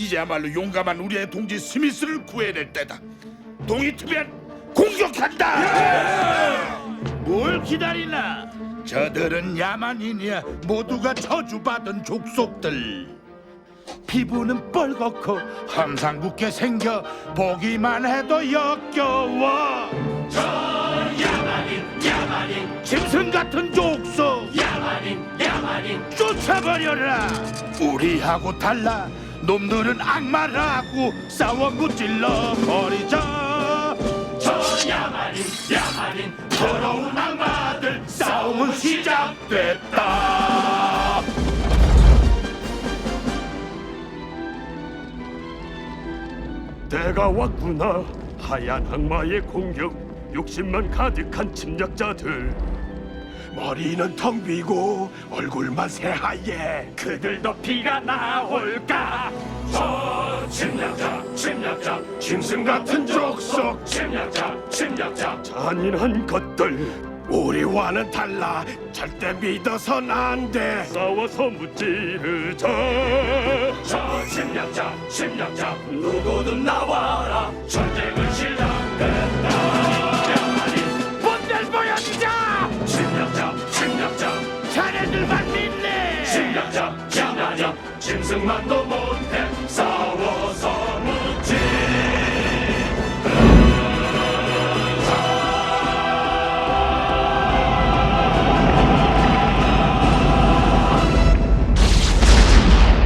이제야말로 용감한 우리의 동지 스미스를 구해낼 때다. 동이 트면 공격한다. 뭘 기다리나? 저들은 야만인이야. 모두가 저주받은 족속들. 피부는 뻘겋고 험상궂게 생겨 보기만 해도 역겨워. 저 야만인 짐승 같은 족속 야만인 쫓아버려라. 우리하고 달라. 놈들은 악마라고 싸워 무찔러 버리자. 저 야만인 더러운 악마들 싸움은 시작됐다. 때가 왔구나. 하얀 악마의 공격, 욕심만 가득한 침략자들. 머리는 텅 비고 얼굴만 새하얘. 그들도 피가 나올까? 저 침략자 짐승 같은 족속. 침략자 잔인한 것들. 우리와는 달라. 절대 믿어선 안 돼. 싸워서 무찌르자. 저 침략자 누구든 나와라. 전쟁은 시작됐다. 야만인 본들 보여주자. 침략자 자네들만 믿네. 침략자 짐승만